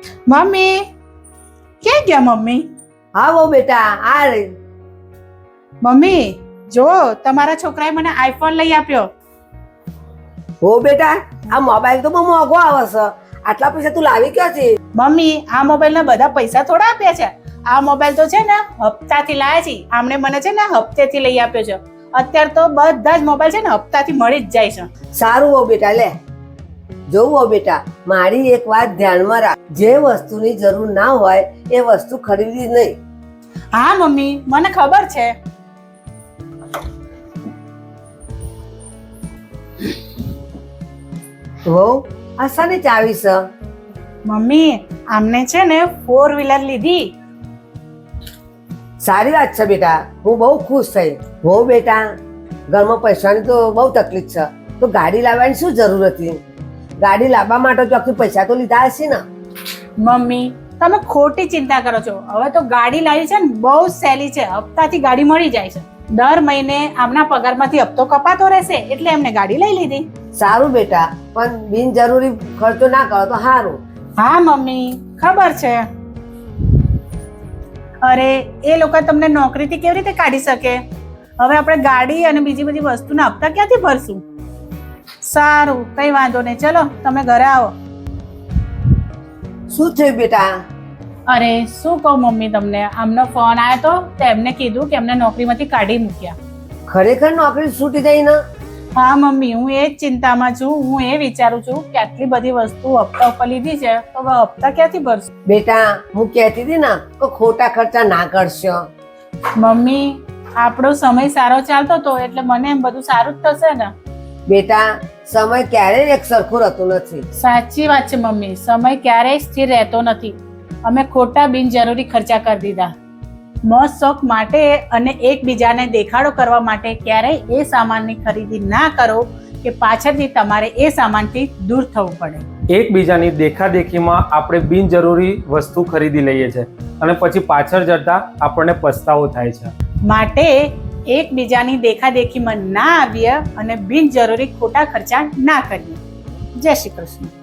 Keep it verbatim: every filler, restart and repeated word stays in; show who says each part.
Speaker 1: Mummy ક્યાં ગયા mummy?
Speaker 2: હા બહુ બેટા આ રે.
Speaker 1: મમ્મી જો તમારા છોકરાએ મને આઈફોન લઈ આપ્યો.
Speaker 2: હો બેટા આ મોબાઈલ તો બહુ મોંઘો આવે છે. આટલા પૈસા તું લાવી ક્યાંથી?
Speaker 1: મમ્મી આ મોબાઈલના બધા પૈસા થોડા આપ્યા છે. આ મોબાઈલ તો છે ને હપ્તાથી લાયા છે. આમણે મને છે ને હપ્તેથી લઈ આપ્યો છે. અત્યારે તો બધા જ મોબાઈલ છે ને હપ્તાથી મળી જ જાય છે.
Speaker 2: સારું હો બેટા લે. જોવું હો બેટા મારી એક વાત ધ્યાનમાં રાખ, જે વસ્તુની જરૂર ના હોય એ વસ્તુ ખરીદવી નહીં.
Speaker 1: હા મમ્મી મને ખબર છે.
Speaker 2: હો આ શાની ચાવી છે?
Speaker 1: મમ્મી આમને છે ને ફોર વ્હીલર લીધી.
Speaker 2: સારી વાત છે બેટા, હું બહુ ખુશ થઈ. હો બેટા ઘરમાં પૈસાની તો બહુ તકલીફ છે, તો ગાડી લાવવાની શું જરૂર હતી? ગાડી લાવવા માટે તો આખી પૈસા તો લીધા હશે ને?
Speaker 1: મમ્મી તમે ખોટી ચિંતા કરો છો. હવે તો ગાડી લાવી છે ને બહુ સહેલી છે. હપ્તાથી ગાડી મળી જાય છે. દર મહિને આમના પગારમાંથી હપ્તો કપાતો રહેશે એટલે એમને ગાડી લઈ લીધી.
Speaker 2: સારું બેટા, પણ બિનજરૂરી ખર્ચો ના કરો તો સારું.
Speaker 1: હા મમ્મી ખબર છે. અરે એ લોકો તમને નોકરીથી કેવી રીતે કાઢી શકે? હવે આપણે ગાડી અને બીજી બધી વસ્તુના હપ્તા ક્યાંથી ભરશું? સારું કઈ વાંધો નહીં, ચલો તમે ઘરે આવો.
Speaker 2: શું થયું બેટા?
Speaker 1: અરે શું કહું મમ્મી તમને, આમનો ફોન આવ્યો તો તેમને કીધું કે એમને નોકરીમાંથી કાઢી મૂક્યા.
Speaker 2: ખરેખર નોકરી છૂટી ગઈ ને?
Speaker 1: હા મમ્મી હું એ જ ચિંતામાં છું. હું એ વિચારું છું કે આટલી બધી વસ્તુ હપ્તા ઉપર લીધી છે તો હવે હપ્તા ક્યાંથી ભરશું?
Speaker 2: બેટા હું કહેતી હતી ને તો ખોટા ખર્ચા ના કરશો.
Speaker 1: મમ્મી આપણો સમય સારો ચાલતો હતો એટલે મને એમ બધું સારું જ થશે ને.
Speaker 2: બેટા સમય ક્યારેય એક સરખો રહેતો નથી.
Speaker 1: સાચી વાત છે મમ્મી, સમય ક્યારેય સ્થિર રહેતો નથી. અમે ખોટા બિનજરૂરી ખર્ચા કરી દીધા. મોજ શોખ માટે અને એકબીજાને દેખાડો કરવા માટે ક્યારેય એ સામાનની ખરીદી ના કરો કે પાછળથી તમારે એ સામાનથી દૂર થવું પડે.
Speaker 3: એકબીજાની દેખાદેખીમાં આપણે બિનજરૂરી વસ્તુ ખરીદી લઈએ છીએ અને પછી પાછળ જતા આપણને પસ્તાવો થાય છે.
Speaker 1: માટે એકબીજાની દેખાદેખીમાં ના આવીએ અને બિનજરૂરી ખોટા ખર્ચા ના કરીએ. જય શ્રી કૃષ્ણ.